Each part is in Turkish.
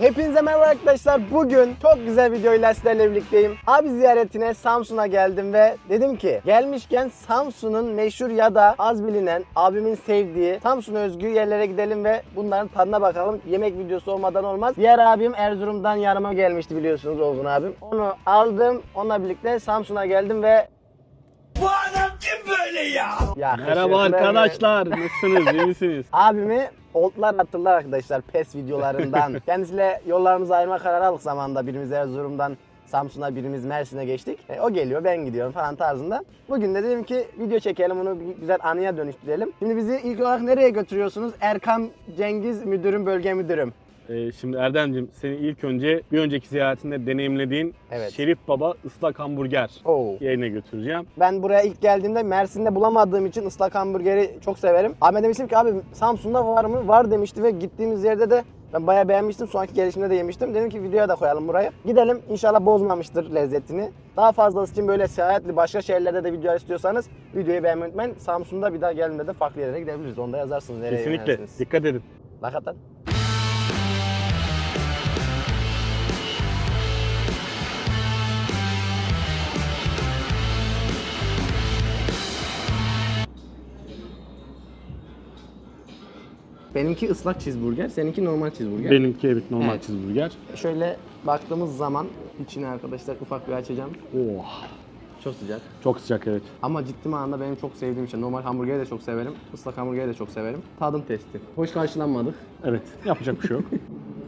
Hepinize merhaba arkadaşlar. Bugün çok güzel videoyla sizlerle birlikteyim. Abi ziyaretine Samsun'a geldim ve dedim ki gelmişken Samsun'un meşhur ya da az bilinen, abimin sevdiği Samsun'a özgü yerlere gidelim ve bunların tadına bakalım. Yemek videosu olmadan olmaz. Diğer abim Erzurum'dan yanıma gelmişti biliyorsunuz, Olgun abim. Onu aldım. Onunla birlikte Samsun'a geldim ve Bu adam kim böyle ya? Merhaba arkadaşlar, nasılsınız, iyi misiniz? Abimi oltlar attılar arkadaşlar PES videolarından. Kendisiyle yollarımızı ayırma kararı aldık zamanında. Birimiz Erzurum'dan Samsun'a, birimiz Mersin'e geçtik. O geliyor, ben gidiyorum falan tarzında. Bugün de dedim ki video çekelim, bunu bir güzel anıya dönüştürelim. Şimdi bizi ilk olarak nereye götürüyorsunuz? Erkam Cengiz müdürüm, bölge müdürüm. Şimdi Erdem'cim, seni ilk önce bir önceki ziyaretinde deneyimlediğin Evet. Şerif Baba ıslak hamburger Oo. yerine götüreceğim. Ben buraya ilk geldiğimde Mersin'de bulamadığım için ıslak hamburgeri çok severim. Ahmet demiştim ki abi Samsun'da var mı? Var demişti ve gittiğimiz yerde de ben bayağı beğenmiştim. Sonraki gelişimde de yemiştim. Dedim ki videoya da koyalım burayı. Gidelim, İnşallah bozmamıştır lezzetini. Daha fazlası için böyle seyahatli başka şehirlerde de video istiyorsanız videoyu beğenmeyi unutmayın. Samsun'da bir daha geldiğinde de farklı yerlere gidebiliriz. Onda yazarsınız nereye Kesinlikle, yönelirsiniz. dikkat edin. Hakikaten. Benimki ıslak cheeseburger, seninki normal cheeseburger. Benimki evet normal Evet. cheeseburger. Şöyle baktığımız zaman içine arkadaşlar ufak bir açacağım. Oh, Çok sıcak. çok sıcak evet. Ama ciddi manada benim çok sevdiğim şey. Normal hamburgeri de çok severim. Islak hamburgeri de çok severim. Tadım testi. Hoş karşılanmadık. Evet, yapacak bir şey yok.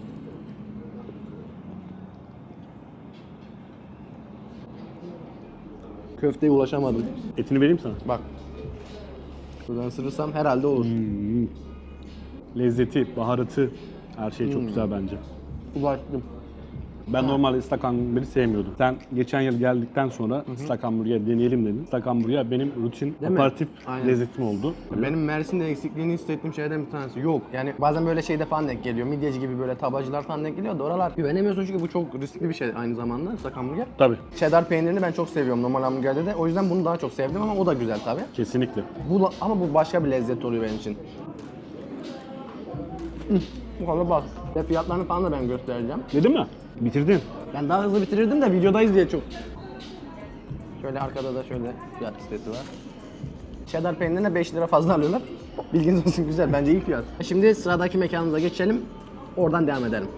Köfteye ulaşamadım. Etini vereyim sana. Bak. Buradan ısırırsam herhalde olur. Lezzeti, baharatı, her şey çok güzel bence. Ulaştım. Ben normalde ıslak hamburgeri sevmiyordum. Sen geçen yıl geldikten sonra ıslak hamburger deneyelim dedin. Islak hamburger benim rutin, Değil mi? aparatif Aynen. lezzetim oldu. Benim Mersin'de eksikliğini hissettiğim şeylerden bir tanesi yok. Yani bazen böyle şeyde falan denk geliyor. Midyeci gibi böyle tabacılar falan denk geliyor da oralar güvenemiyorsun çünkü bu çok riskli bir şey aynı zamanda ıslak hamburger. Tabii, Cheddar peynirini ben çok seviyorum normal hamburgerde de. O yüzden bunu daha çok sevdim ama o da güzel tabii. kesinlikle. Ama bu başka bir lezzet oluyor benim için. Bu kadar bak. Ve fiyatlarını falan da ben göstereceğim. Yedin mi? Bitirdin. Ben daha hızlı bitirirdim de videodayız diye çok. Şöyle arkada da şöyle fiyat listesi var. Cheddar peynirine 5 lira fazla alıyorlar. Bilginiz olsun, güzel, bence iyi fiyat. Şimdi sıradaki mekanımıza geçelim. Oradan devam edelim.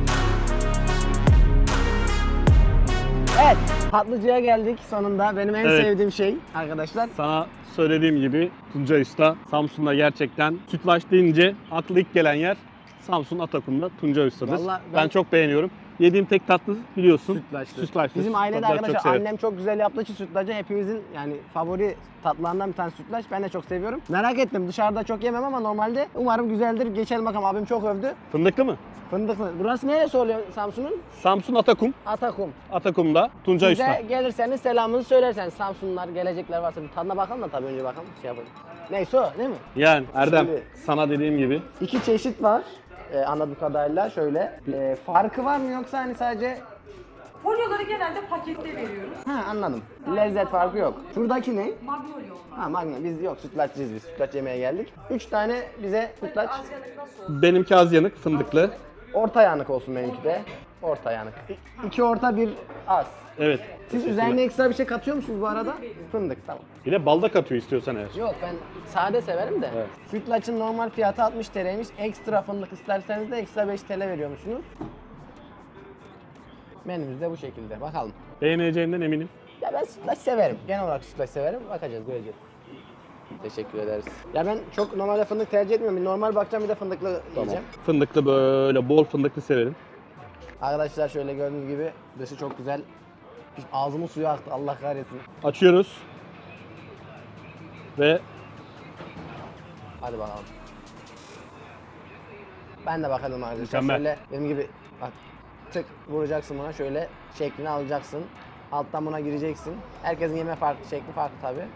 Evet, tatlıcıya geldik sonunda. Benim en Evet. sevdiğim şey arkadaşlar. Sana söylediğim gibi Tuncay Usta Samsun'da gerçekten sütlaç deyince aklı ilk gelen yer Samsun Atakum'da Tuncay Usta'dır. Vallahi ben ben- çok beğeniyorum. Yediğim tek tatlı biliyorsun. Sütlaçtır. Sütlaçtır. Bizim ailede Sütlaç çok arkadaşlar severim. annem çok güzel yaptığı için sütlacı hepimizin yani favori tatlılarından bir tanesi sütlaç. Ben de çok seviyorum. Merak ettim, dışarıda çok yemem ama normalde umarım güzeldir. Geçelim bakalım, abim çok övdü. Fındıklı mı? Fındıklı. Burası neresi oluyor Samsun'un? Samsun Atakum. Atakum. Atakum'da Tuncay Bize Usta. gelirseniz selamınızı söylerseniz, Samsunlular gelecekler varsa bir tadına bakalım da tabii önce bakalım şey yapalım. Neyse o değil mi? Yani Erdem Şimdi- sana dediğim gibi 2 çeşit var. Anladığım kadarıyla şöyle. Farkı var mı yoksa hani sadece... Folyoları genelde pakette veriyoruz. Ha, anladım. Lezzet farkı yok. Şuradaki ne? Magnolia onlar. Ha, Magna. Biz yok, sütlaççıyız biz. Sütlaç yemeye geldik. 3 tane bize sütlaç. Asyalık nasıl olur? benimki az yanık fındıklı. Orta yanık olsun benimki de. Orta yanık. 2 orta, 1 az. Evet. Siz üzerine ekstra bir şey katıyor musunuz bu arada? Fındık, tamam. Bir de balda katıyor istiyorsan eğer. Yok, ben sade severim de. Evet. Sütlaçın normal fiyatı 60 TL'ymiş. Ekstra fındık isterseniz de ekstra 5 TL veriyormuşsunuz. Menümüz de bu şekilde. Bakalım. Beğeneceğinden eminim. Ya ben sütlaç severim. Genel olarak sütlaç severim. Bakacağız, göreceğiz. Teşekkür ederiz. Ya ben çok normalde fındık tercih etmiyorum. Bir normal bakacağım, bir de fındıklı yiyeceğim. Fındıklı böyle bol fındıklı severim. Arkadaşlar şöyle gördüğünüz gibi dışı çok güzel. Ağzımın suyu aktı, Allah kahretsin. Açıyoruz. Ve Hadi bakalım. Ben de bakalım arkadaşlar. Mükemmel. Şöyle benim gibi bak, tık vuracaksın buna, şöyle şeklini alacaksın. Alttan buna gireceksin. Herkesin yeme farklı, şekli farklı tabii.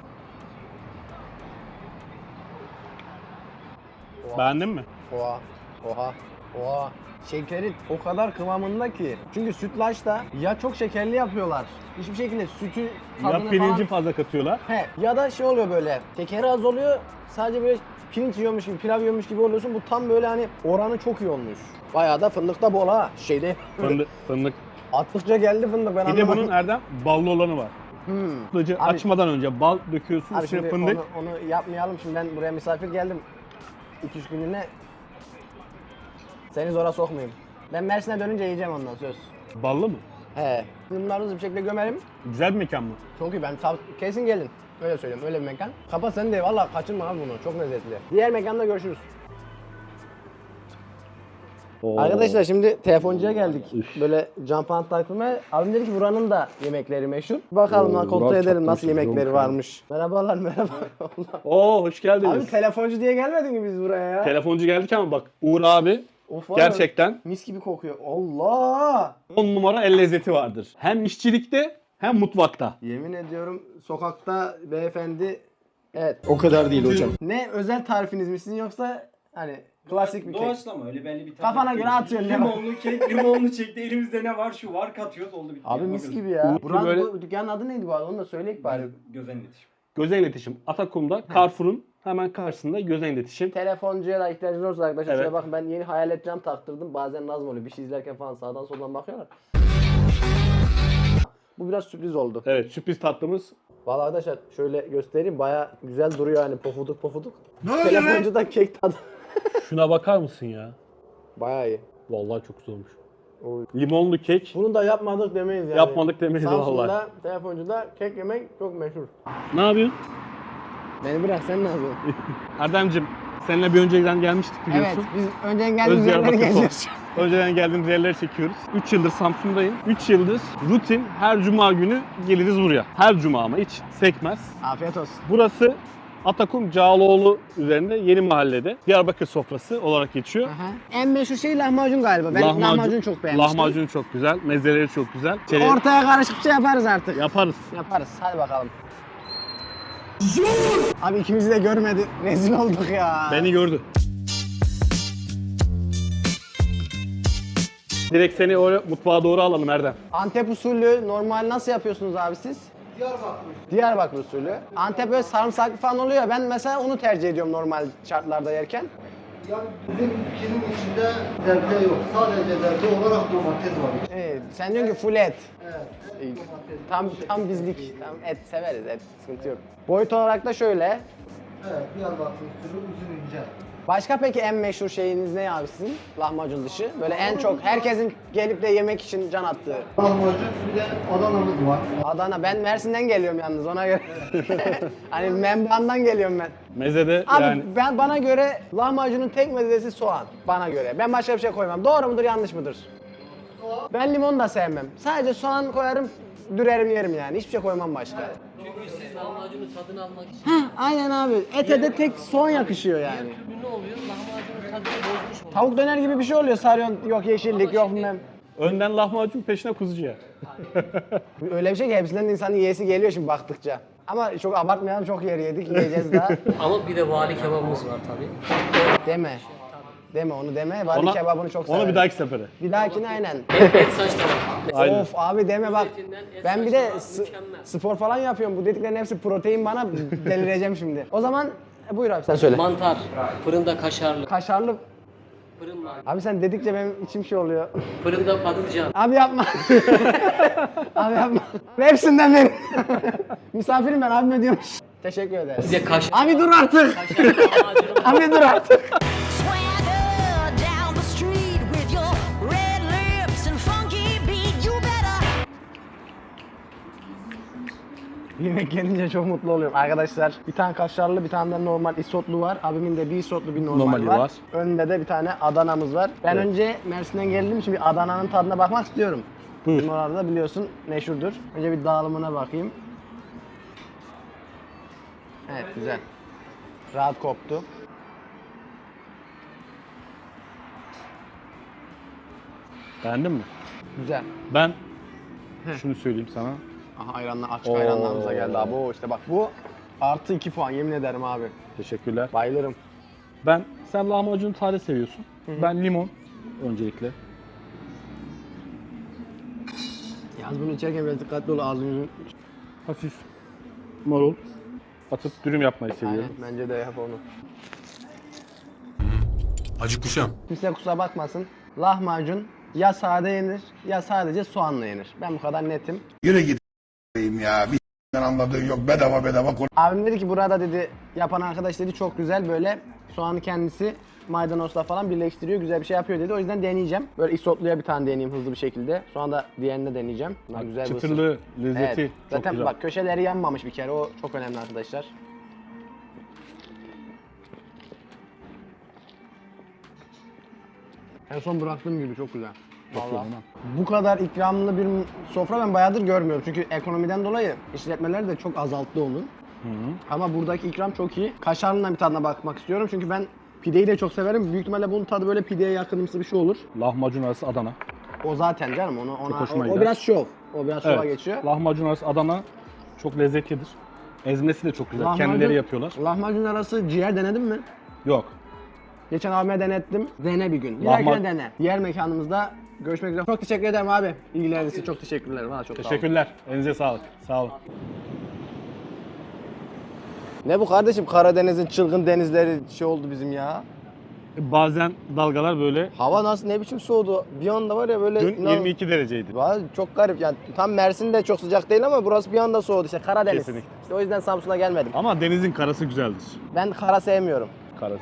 beğendin mi? Oha. Oha. Oha. Şekeri o kadar kıvamında ki. Çünkü sütlaçta ya çok şekerli yapıyorlar. Hiçbir şekilde sütü tadını Ya pirinci falan... fazla katıyorlar. He, ya da şey oluyor böyle. Şekeri az oluyor. Sadece böyle pirinç yiyormuş gibi, pilav yiyormuş gibi oluyorsun. Bu tam böyle hani oranı çok iyi olmuş. Bayağı da fındık da bol ha. Şeyde. Fındık. Attıkça geldi fındık ben Bir de anlamadım. bunun Erdem ballı olanı var. Sütlacı Abi- açmadan önce bal döküyorsun, Abi üstüne şimdi fındık. onu yapmayalım. Şimdi ben buraya misafir geldim. 2-3 günlüğüne seni zora sokmayayım. Ben Mersin'e dönünce yiyeceğim ondan söz. Ballı mı? He. Bunları hızlı bir şekilde gömelim. Güzel bir mekan mı? Çok iyi, kesin gelin. Öyle söyleyeyim, öyle bir mekan. Kapat sen de valla kaçırma abi bunu, çok lezzetli. Diğer mekanda görüşürüz. Arkadaşlar şimdi telefoncuya geldik. Böyle cam pant taktırmaya. Abim dedi ki buranın da yemekleri meşhur. Bakalım lan kontrol Burak edelim çok nasıl meşhur, yemekleri çok varmış. Merhabalar merhaba. Oo hoş geldiniz. Abi telefoncu diye gelmedik mi biz buraya ya? Telefoncu geldik ama bak Uğur abi Of, var ya, gerçekten mis gibi kokuyor. Allah! 10 numara el lezzeti vardır. Hem işçilikte hem mutfakta. Yemin ediyorum sokakta beyefendi, evet. O kadar değil hocam. Ne özel tarifiniz mi sizin yoksa hani klasik bir kek? Doğaçlama öyle belli bir tarif Kafana değil. göre atıyorsun, ne var? Limonlu kek, limonlu çekti. Elimizde ne var? Şu var, katıyoruz, oldu bitti. Abi Yapma mis gözü. gibi ya. Uğur Buranın böyle- bu dükkanın adı neydi bu arada? Onu da söyleyek bari. Gözen iletişim. Gözen iletişim. Atakum'da Carrefour'un hemen karşısında Gözen iletişim. Telefoncuya da ihtiyacınız olursa arkadaşlar Evet. şöyle bakın, ben yeni hayalet cam taktırdım. Bazen lazım oluyor. Bir şey izlerken falan sağdan soldan bakıyorlar. Bu biraz sürpriz oldu. Evet sürpriz tatlımız. Vallahi arkadaşlar şöyle göstereyim. Baya güzel duruyor hani, pofuduk pofuduk. Telefoncu da kek tadı. Şuna bakar mısın ya? Baya iyi. Vallahi çok güzel olmuş. Oy. Limonlu kek. Bunu da yapmadık demeyiz yani. Yapmadık demeyiz Samsun'da vallahi. telefoncuda kek yemek çok meşhur. Ne yapıyorsun? Beni bırak, sen ne yapıyorsun? Erdem'cim seninle bir önceden gelmiştik Evet, biliyorsun. biz önceden geldiğimiz yerleri Diyarbakır geziyoruz. Önceden geldiğimiz yerleri çekiyoruz. 3 yıldır Samsun'dayım. 3 yıldır rutin her cuma günü geliriz buraya. Her cuma ama hiç sekmez. Afiyet olsun. Burası Atakum Cağaloğlu üzerinde Yeni Mahallede Diyarbakır sofrası olarak geçiyor. Aha. En meşhur şey lahmacun galiba. Ben lahmacun çok beğenmiştim. Lahmacun çok güzel, mezeleri çok güzel. İçeri Ortaya karışık bir şey yaparız artık. yaparız. Yaparız. Hadi bakalım. Abi ikimizi de görmedi. Rezil olduk ya. Beni gördü. Direkt seni oraya mutfağa doğru alalım Erdem. Antep usulü normal nasıl yapıyorsunuz abi siz? Diyarbakır usulü. Antep böyle sarımsaklı falan oluyor. Ben mesela onu tercih ediyorum normal şartlarda yerken. Yani bizim ülkenin içinde zerde yok. Sadece zerde olarak domates var. Evet, sen diyorsun ki full et. Evet. İyi. Domates. Tam bizlik. Tam et severiz, et sıkıntı yok. Boyut olarak da şöyle. Evet, Diyarbakır usulü uzun ince. Başka peki en meşhur şeyiniz ne abi sizin? Lahmacun dışı. Böyle en çok herkesin gelip de yemek için can attığı. Lahmacun, bir de Adana'mız var. Adana. Ben Mersin'den geliyorum yalnız ona göre. Hani Memban'dan geliyorum ben. Mezede Abi yani bana göre lahmacunun tek mezesi soğan. Bana göre. Ben başka bir şey koymam. Doğru mudur, yanlış mıdır? Ben limon da sevmem. Sadece soğan koyarım, dürerim yerim yani. Hiçbir şey koymam başka. Çünkü siz lahmacunun tadını almak için Heh, aynen abi. Ete de tek soğan yakışıyor yani. türlü ne oluyor? Lahmacunun tadını bozmuş oluyor. Tavuk döner gibi bir şey oluyor. Sarıyorsun, yok yeşillik, yok bilmem. önden lahmacun peşine kuzucu yer. Öyle bir şey ki hepsinden de insanın yiyesi geliyor şimdi baktıkça. Ama çok abartmayalım, çok yer yedik, yiyeceğiz daha. Ama bir de vali kebabımız var tabii. Deme. Deme onu deme. Vali kebabını çok severim. Onu bir dahaki sefere. Bir dahakine aynen. Et saç tavuk. Aynen. Of abi deme bak. Etinden et Ben bir de saçları mükemmel. spor falan yapıyorum. Bu dediklerin hepsi protein, bana delireceğim şimdi. O zaman buyur abi sen söyle. Mantar, fırında kaşarlı, Kaşarlı. fırın var. Abi sen dedikçe benim içim şey oluyor. Fırında patlıcan. Abi yapma. Abi yapma. Hepsinden benim. Misafirim ben, abime diyormuş. Teşekkür Bir ederiz. de kaşar. Abi dur artık. Kaşarlı lahmacunum var. Abi dur artık. Swagger down the street with your red lips and funky beat. You better. Yemek gelince çok mutlu oluyorum. Arkadaşlar bir tane kaşarlı, bir tane de normal isotlu var. Abimin de bir isotlu, bir normal Normali var. var. Önünde de bir tane Adana'mız var. Ben Evet. önce Mersin'den geldim. Şimdi Adana'nın tadına bakmak istiyorum. Buyur. Bizim orada da biliyorsun meşhurdur. Önce bir dağılımına bakayım. Evet, güzel. Rahat koptu. Beğendin mi? Güzel. Ben şunu söyleyeyim sana. Aha ayranla, açık ayranlarımıza geldi abi. O işte bak, bu artı 2 puan, yemin ederim abi. Teşekkürler. Bayılırım. Sen lahmacun taze seviyorsun. Ben limon, öncelikle. Yalnız bunu içerken biraz dikkatli ol ağzını. Hafif marul atıp dürüm yapmayı Aynen seviyorum. bence de yap onu. Acıkmışım. Kimse kusura bakmasın. Lahmacun ya sade yenir ya sadece soğanla yenir. Ben bu kadar netim. Yürü git ya. Bir anladığın yok. Bedava konuş. Abim dedi ki burada dedi yapan arkadaş dedi çok güzel böyle soğanı kendisi maydanozla falan birleştiriyor. Güzel bir şey yapıyor dedi. O yüzden deneyeceğim. Böyle isotluya bir tane deneyeyim hızlı bir şekilde. Sonra da diğerini de deneyeceğim. Bunlar güzel bir ısır. Çıtırlığı, lezzeti Evet. çok Zaten güzel. bak köşeleri yanmamış bir kere. O çok önemli arkadaşlar. En son bıraktığım gibi çok güzel. Vallahi. Bu kadar ikramlı bir sofra ben bayağıdır görmüyorum. Çünkü ekonomiden dolayı işletmeler de çok azalttı onu. Ama buradaki ikram çok iyi. Kaşarlı'nın bir tadına bakmak istiyorum. Çünkü ben pideyi de çok severim. Büyük ihtimalle bunun tadı böyle pideye yakınımsı bir şey olur. Lahmacun arası Adana. O zaten canım ona hoşuma o gider. biraz şov. O biraz şova geçiyor. Lahmacun arası Adana çok lezzetlidir. Ezmesi de çok güzel. Lahmacun- Kendileri yapıyorlar. Lahmacun arası ciğer denedin mi? Yok. Geçen abime denettim. Dene bir gün. Bir Lahma- dahakine dene. Diğer mekanımızda görüşmek üzere. Çok teşekkür ederim abi. İlgileriniz için çok teşekkürler. Valla çok sağ olun. Teşekkürler. Elinize sağlık. Sağ olun. Ne bu kardeşim? Karadeniz'in çılgın denizleri şey oldu bizim ya. Bazen dalgalar böyle. Hava nasıl ne biçim soğudu? Bir anda var ya böyle... Dün 22 dereceydi. Vay, çok garip yani tam Mersin'de çok sıcak değil ama burası bir anda soğudu işte Karadeniz. Kesinlikle. İşte o yüzden Samsun'a gelmedim. Ama denizin karası güzeldir. Ben kara sevmiyorum. Karası.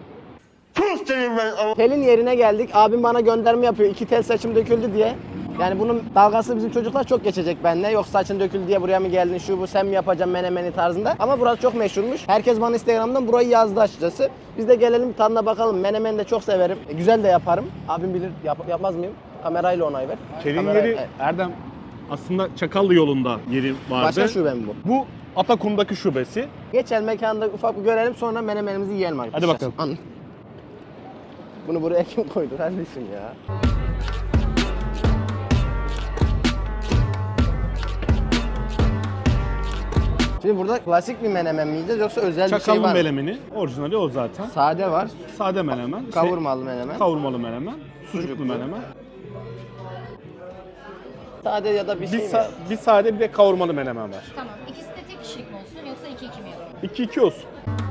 Telin yerine geldik. Abim bana gönderme yapıyor. 2 tel saçım döküldü diye. Yani bunun dalgası bizim çocuklar çok geçecek benimle. Yok saçın döküldü diye buraya mı geldin şu bu sen mi yapacaksın menemeni tarzında. Ama burası çok meşhurmuş. Herkes bana Instagram'dan burayı yazdı açıkçası. Biz de gelelim tadına bakalım. Menemeni de çok severim. Güzel de yaparım. Abim bilir yapmaz mıyım? Kamerayla onay ver. Telin Kamera- yeri evet. Erdem aslında Çakallı yolunda yeri vardı. Başka şube mi bu? Bu Atakum'daki şubesi. Geçelim mekanda ufak bir görelim sonra menemenimizi yiyelim arkadaşlar. Hadi bakalım. Bunu buraya kim koydu kardeşim ya? Şimdi burada klasik bir menemen mi yiyeceğiz yoksa özel bir şey Çakallı var mı? melemeni. Orijinali o zaten. Sade var, Sade menemen. kavurmalı menemen. Kavurmalı menemen. Sucuklu Sucuklu. menemen. Sade ya da bir şey mi? Bir sade bir de kavurmalı menemen var. Tamam. İkisi de tek kişilik mi olsun yoksa 2-2 mi yapalım? 2-2 olsun.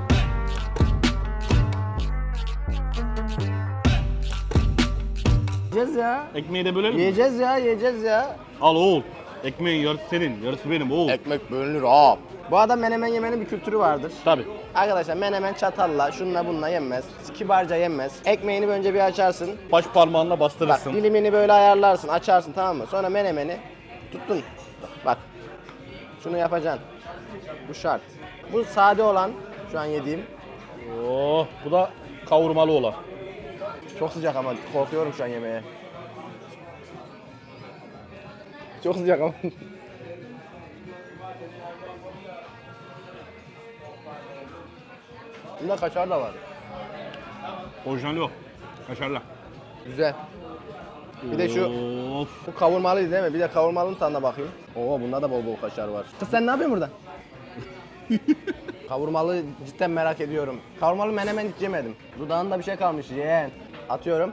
Yiyeceğiz ya. Ekmeği de bölelim mi? Yiyeceğiz ya, yiyeceğiz ya. Al oğul. Ekmeğin yarısı senin, yarısı benim oğul. Ekmek bölünür ha. Bu arada menemen yemenin bir kültürü vardır. Tabii. Arkadaşlar menemen çatalla, şununla bununla yenmez. Kibarca yenmez. Ekmeğini önce bir açarsın. Baş parmağınla Bak bastırırsın. dilimini böyle ayarlarsın, açarsın tamam mı? Sonra menemeni tuttun. Bak. Şunu yapacaksın. Bu şart. Bu sade olan şu an yediğim. Oh, bu da kavurmalı olan. Çok sıcak ama korkuyorum şu an yemeğe. Çok sıcak ama. Bunda kaşar da var. Orijinali o. Kaşarla. Güzel. Bir de şu Of. bu kavurmalıydı değil mi? Bir de kavurmalının tadına bakayım. Oo bunda da bol bol kaşar var. Kız sen ne yapıyorsun burada? Kavurmalı cidden merak ediyorum. Kavurmalı menemen hiç yemedim. Dudağında bir şey kalmış yeğen. Atıyorum.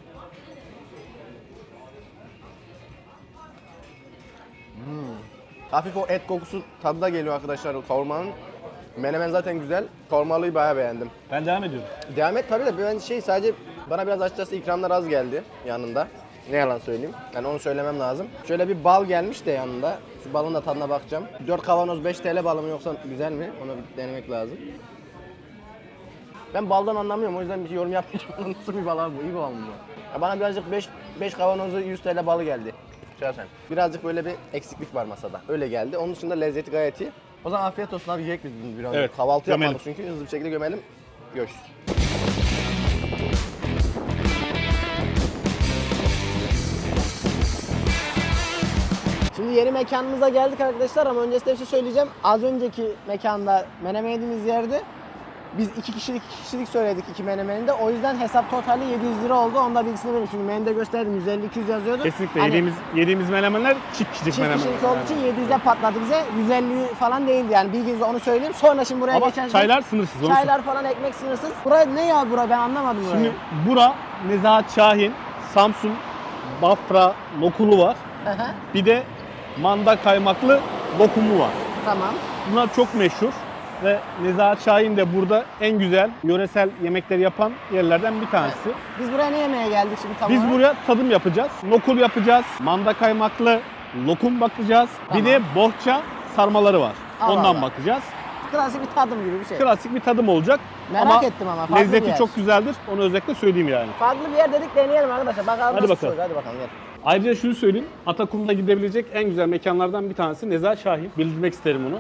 Hafif o et kokusu tadı da geliyor arkadaşlar o kavurmanın. Menemen zaten güzel. Kavurmalıyı bayağı beğendim. Ben devam ediyorum. Devam et tabii de ben sadece bana biraz açıkçası ikramlar az geldi yanında. Ne yalan söyleyeyim. Yani onu söylemem lazım. Şöyle bir bal gelmiş de yanında. Şu balın da tadına bakacağım. 4 kavanoz 5 TL balı mı yoksa güzel mi? Onu bir denemek lazım. Ben baldan anlamıyorum o yüzden bir yorum yapmayacağım. Nasıl bir bal abi bu? İyi bal mı bu? Ya bana birazcık 5 kavanozu 100 TL balı geldi. Şahsen. Birazcık böyle bir eksiklik var masada. Öyle geldi. Onun dışında lezzeti gayet iyi. O zaman afiyet olsun abi yiyecek biz bunu biraz. Evet, Kahvaltı gömelim. yapmadık çünkü hızlı bir şekilde gömelim. Görüşürüz. Şimdi yeni mekanımıza geldik arkadaşlar ama öncesinde bir şey söyleyeceğim. Az önceki mekanda menemen yediğimiz yerde Biz 2 kişilik söyledik 2 menemeninde. O yüzden hesap totali 700 lira oldu. Onda bilgisini vereyim. Çünkü menüde gösterdim 150-200 yazıyordu. Kesinlikle Hani yediğimiz menemenler çift kişilik çift menemen. kişilik olduğu için 700'e patladı bize. 150 falan değildi yani. Bilginize onu söyleyeyim. Sonra şimdi buraya Ama geçersek çaylar sınırsız. onu çaylar falan ekmek sınırsız. Buraya ne ya bura ben anlamadım burayı. Şimdi bura Nezahat Şahin, Samsun, Bafra lokulu var. Hı hı, Bir de manda kaymaklı lokumu var. tamam. Bunlar çok meşhur ve Nezahat Şahin de burada en güzel yöresel yemekleri yapan yerlerden bir tanesi. Biz buraya ne yemeye geldik şimdi tam Biz olarak? buraya tadım yapacağız. Nokul yapacağız. Manda kaymaklı lokum bakacağız. Tamam. Bir de bohça sarmaları var. Allah Ondan Allah. bakacağız. Klasik bir tadım gibi bir şey. Klasik bir tadım olacak. Merak ettim ama farklı bir lezzeti yer. çok güzeldir. Onu özellikle söyleyeyim yani. Farklı bir yer dedik deneyelim arkadaşlar. Bakalım Hadi nasıl bakalım. olacak. Hadi bakalım gel. Ayrıca şunu söyleyeyim. Atakum'da gidebilecek en güzel mekanlardan bir tanesi Nezahat Şahin. Bildirmek isterim onu.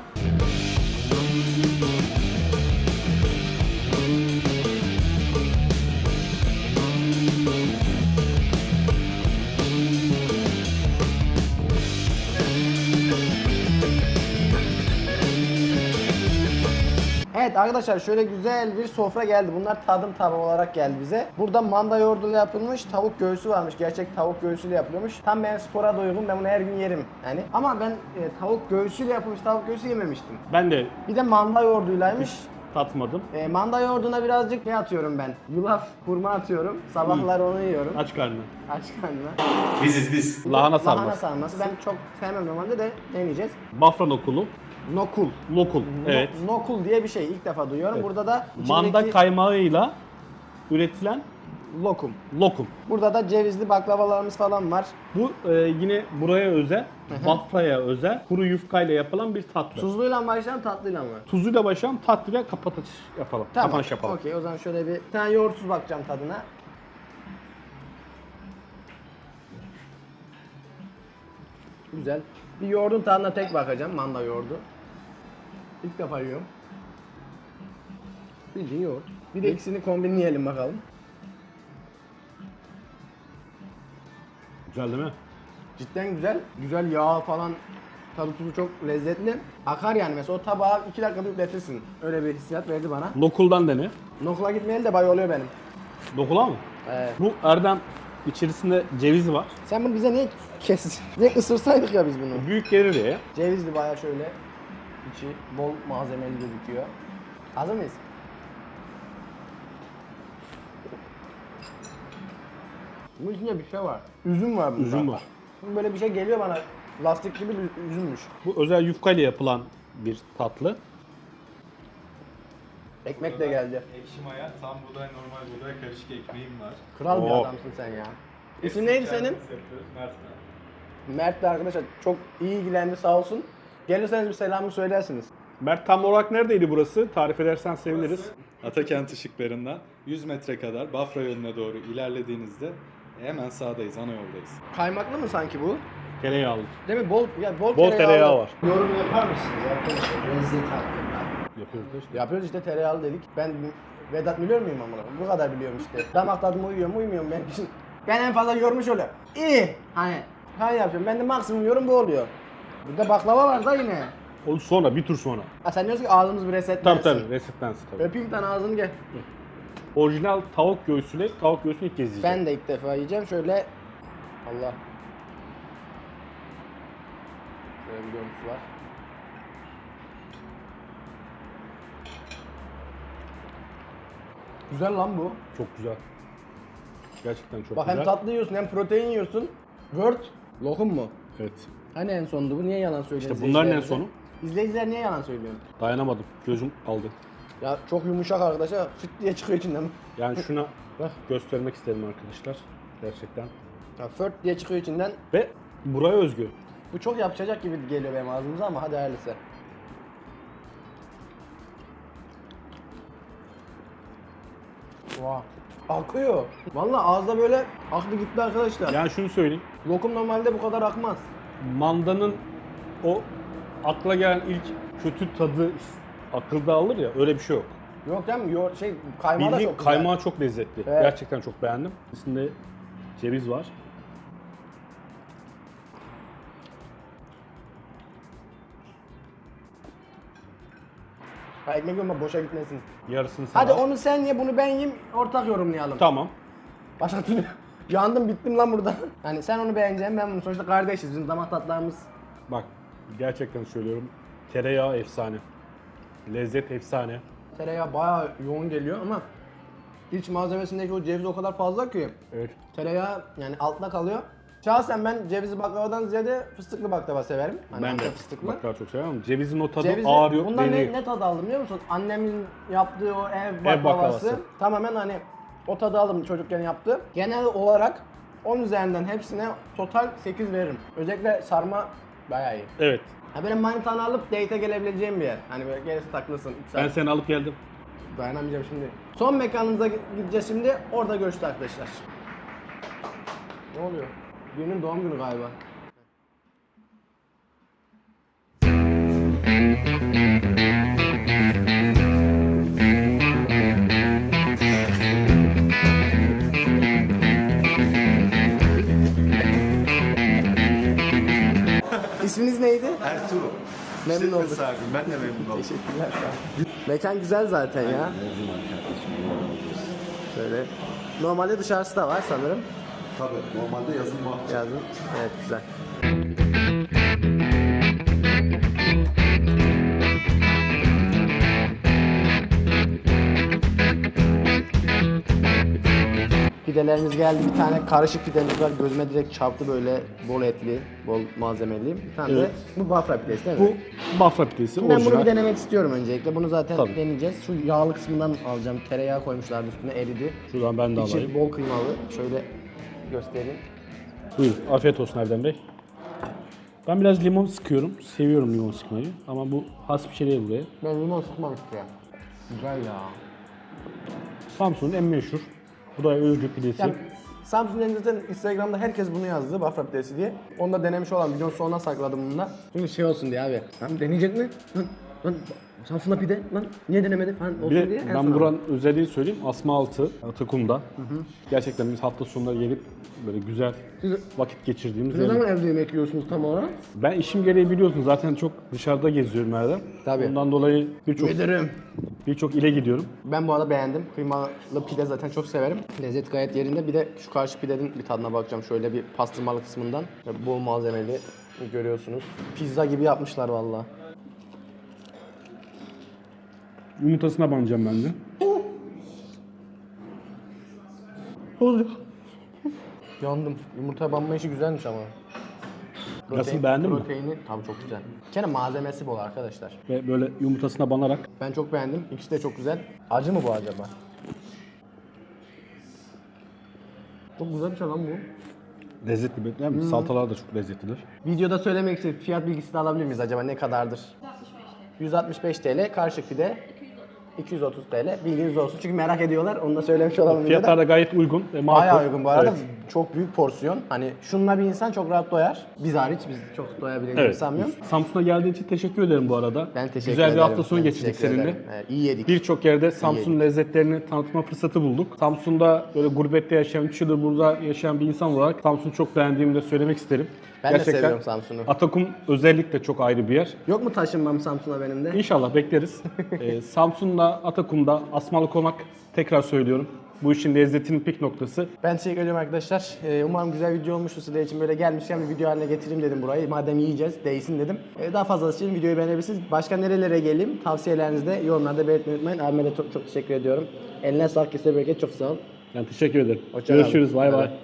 Evet arkadaşlar şöyle güzel bir sofra geldi. Bunlar tadım tabağı olarak geldi bize. Burada manda yoğurduyla yapılmış tavuk göğsü varmış. Gerçek tavuk göğsüyle yapılıyormuş. Tam benim spora da uygun. Ben bunu her gün yerim. Yani ama ben tavuk göğsüyle yapılmış tavuk göğsü yememiştim. Ben de Bir de manda yoğurduylaymış. tatmadım. Manda yoğurduna birazcık ne atıyorum ben? Yulaf, hurma atıyorum. Sabahları onu yiyorum. Aç karnına. Aç karnına. Biz. Lahana sarması. Lahana sarması. Ben çok sevmem normalde de deneyeceğiz. Bafra nokulu. Nokul. Lokul. Evet. Nokul diye bir şey ilk defa duyuyorum. Evet. Burada da Manda içindeki kaymağıyla üretilen lokum. lokum. Burada da cevizli baklavalarımız falan var. Bu yine buraya özel, Bafra'ya özel, kuru yufkayla yapılan bir tatlı. Tuzluyla mı başlayalım tatlıyla mı? Tuzuyla başlayalım, tatlıyla kapatış yapalım. Kapanış yapalım. Okey o zaman şöyle bir tane yoğurtsuz bakacağım tadına. Güzel. Bir yoğurdun tadına tek bakacağım. Manda yoğurdu. İlk defa yiyorum. Bildiğin yoğurt. Bir de ikisini kombinleyelim bakalım. Güzel değil mi? Cidden güzel. Güzel yağ falan. Tadı tuzu çok lezzetli. Akar yani mesela o tabağı 2 dakikada yükletirsin. Öyle bir hissiyat verdi bana. Lokuldan dene. Nokla gitmeyeli de bay oluyor benim. Lokula mı? Evet. Bu Erdem içerisinde ceviz var. Sen bunu bize niye kestin? Direkt ısırsaydık ya biz bunu. Büyük gelir ya. Cevizli bayağı şöyle. İçi bol malzemeli gözüküyor. Hazır mıyız? Bunun içinde bir şey var. Üzüm var bunda. Üzüm var. Şimdi böyle bir şey geliyor bana. Lastik gibi bir üzümmüş. Bu özel yufkayla yapılan bir tatlı. Ekmek de geldi. Ekşi maya, tam buğday, normal buğday, karışık ekmeğim var. Kral bir Oo. adamsın sen ya. İsim neydi senin? Kendimiz yapıyoruz, Mert ben. Mert de arkadaşlar çok iyi ilgilendi sağ olsun. Gelirseniz bir selamı söylersiniz. Mert tam olarak neredeydi burası? Tarif edersen seviniriz. Atakent ışıklarından 100 metre kadar Bafra yoluna doğru ilerlediğinizde hemen sağdayız, ana yoldayız. Kaymaklı mı sanki bu? Tereyağlı. Değil mi? Bol Bol tereyağı var. Yorum yapar mısınız arkadaşlar lezzet hakkında? Yapıyoruz da işte. Yapıyoruz işte tereyağlı dedik. Ben Vedat biliyor muyum amına? Bu kadar biliyorum işte. Damak tadıma uyuyor mu uymuyor mu benim için. Ben en fazla yormuş oluyor. İyi. Hani yapıyorum. Ben de maksimum yorum bu oluyor. Burada baklava var da yine. O sonra, bir tur sonra. Ha sen diyorsun ki ağzımız bir resetlensin. Tabii resetlensin tabii. Öpeyim tane ağzını gel. Orijinal tavuk göğsüyle, tavuk göğsünü ilk kez yiyeceğim. Ben de ilk defa yiyeceğim. Şöyle Allah. Şöyle bir görüntüsü var. Güzel lan bu. Çok güzel. Gerçekten çok Bak güzel. hem tatlı yiyorsun hem protein yiyorsun. Word. Lokum mu? Evet. Hani en sondu bu? Niye yalan söylüyorsun? İşte bunların en izleyicilerimize? sonu. İzleyiciler niye yalan söylüyor? Dayanamadım. Gözüm aldı. Ya çok yumuşak arkadaşlar. Fıt diye çıkıyor içinden. Yani şuna Bak. göstermek isterim arkadaşlar. Gerçekten. Ya fırt diye çıkıyor içinden. Ve buraya özgü. Bu çok yapışacak gibi geliyor benim ağzımıza ama hadi hayırlısı. Vah. Akıyor. Vallahi ağızda böyle aktı gitti arkadaşlar. Yani şunu söyleyeyim. Lokum normalde bu kadar akmaz. Mandanın o akla gelen ilk kötü tadı akılda alır ya, öyle bir şey yok. Yok canım kaymağı da Bildiğin çok güzel. kaymağı çok lezzetli. Evet. Gerçekten çok beğendim. İçinde ceviz var. Ha, ekmek olma boşa gitmesin. Yarısını sen Hadi al. onu sen ye, bunu ben yiyeyim, ortak yorumlayalım. Tamam. Başka türlü yandım bittim lan burada. Yani sen onu beğeneceksin, ben bunu sonuçta kardeşiz. Bizim damak tatlarımız. Bak gerçekten söylüyorum. Tereyağı efsane. Lezzet efsane. Tereyağı bayağı yoğun geliyor ama iç malzemesindeki o ceviz o kadar fazla ki Evet. tereyağı yani altta kalıyor. Şahsen ben cevizli baklavadan ziyade fıstıklı baklava severim. Hani Ben de Antep fıstıklı. baklava çok seviyorum. Cevizin o tadı Cevizi, ağır yok, bundan deniyor. ne tadı aldım biliyor musun? Annemin yaptığı o ev baklavası. baklavası. Tamamen hani o tadı aldım çocukken yaptı. Genel olarak 10 üzerinden hepsine total 8 veririm. Özellikle sarma bayağı iyi. Evet. Ha benim manitanı alıp date'e gelebileceğim bir yer. Hani böyle gelirse takılsın. Ben seni alıp geldim. Dayanamayacağım şimdi. Son mekanımıza gideceğiz şimdi. Orada görüşürüz arkadaşlar. Ne oluyor? Birinin doğum günü galiba. İsminiz neydi? Ertuğrul. Memnun olduk. Ben de memnun oldum. Teşekkürler sağ ol. Mekan güzel zaten ya. Şöyle. Normalde dışarısı da var sanırım. Tabii normalde yazın var. Yazın. Evet güzel. Pidelerimiz geldi. Bir tane karışık pidemiz var. Gözüme direkt çarptı böyle bol etli, bol malzemeli. Bir tane de bu Bafra pidesi değil mi? Bu Bafra pidesi Ben bunu orijinal. bir denemek istiyorum öncelikle. Bunu zaten Tabii. deneyeceğiz. Şu yağlı kısmından alacağım. Tereyağı koymuşlardı üstüne eridi. Şuradan ben de İçi alayım. bol kıymalı. Şöyle göstereyim. Buyurun. Afiyet olsun Erdem Bey. Ben biraz limon sıkıyorum. Seviyorum limon sıkmayı. Ama bu has bir şey değil buraya. Ben limon sıkmam istiyorum. Güzel ya. Samsun'un en meşhur. Bu da Özgür pidesi. Yani Samsun'un zaten Instagram'da herkes bunu yazdı. Bafra pidesi diye. Onu da denemiş olan videonun sonuna sakladım bunu da. Çünkü şey olsun diye abi. Lan deneyecek mi? Lan Samsun'da pide. Lan niye denemedi falan olsun Bir de diye. en ben sona. buranın özelliğini söyleyeyim. Asma altı Atakum'da. Gerçekten biz hafta sonları gelip böyle güzel vakit geçirdiğimiz Ne yer. zaman evde yemek yiyorsunuz tam olarak? Ben işim gereği biliyorsun zaten çok dışarıda geziyorum Erdem. Tabii. Ondan dolayı Müdürüm. birçok ile gidiyorum. Ben bu arada beğendim. Kıymalı pide zaten çok severim. Lezzet gayet yerinde. Bir de şu karşı pidenin bir tadına bakacağım. Şöyle bir pastırmalı kısmından. Böyle bol malzemeli görüyorsunuz. Pizza gibi yapmışlar vallahi. Yumurtasına banacağım ben de. Oluyor. Yandım. Yumurtaya banma işi güzelmiş ama. Nasıl, beğendin mi? Proteini tabii çok güzel. Bir kere malzemesi bol arkadaşlar. Ve böyle yumurtasına banarak. Ben çok beğendim. İkisi de çok güzel. Acı mı bu acaba? Çok güzel bir şey lan bu. Lezzetli değil mi? Salatalar da çok lezzetlidir. Videoda söylemek için fiyat bilgisi de alabilir miyiz acaba ne kadardır? 165 TL karışık pide. 230 TL. Bilginiz olsun çünkü merak ediyorlar. Onu da söylemiş olalım. Fiyatlar da gayet uygun ve makul. Bayağı uygun bu arada. Evet. Çok büyük porsiyon. Hani şununla bir insan çok rahat doyar. Biz hariç biz çok doyabiliriz Evet. sanmıyorum. Samsun'a geldiğin için teşekkür ederim bu arada. Ben teşekkür Güzel ederim. bir hafta sonu Ben geçirdik teşekkür seninle. ederim. İyi yedik. Birçok yerde Samsun lezzetlerini tanıtma fırsatı bulduk. Samsun'da böyle gurbette yaşayan, 3 yıldır burada yaşayan bir insan olarak Samsun'u çok beğendiğimi de söylemek isterim. Ben de seviyorum Samsun'u. Atakum özellikle çok ayrı bir yer. Yok mu taşınmam Samsun'a benim de? İnşallah bekleriz. Samsun'da, Atakum'da, Asmalı Konak tekrar söylüyorum. Bu işin lezzetinin pik noktası. Ben teşekkür ediyorum arkadaşlar. Umarım güzel video olmuştur sizler için. Böyle gelmişken bir video haline getireyim dedim burayı. Madem yiyeceğiz, değsin dedim. Daha fazlası için videoyu beğenebilirsiniz. Başka nerelere geleyim? Tavsiyelerinizi de yorumlarda belirtmeyi unutmayın. Abime de çok teşekkür ediyorum. Eline sağlık, kesene bereket. Çok sağ ol. Ben teşekkür ederim. Hoşça kal. Görüşürüz. Bay bay.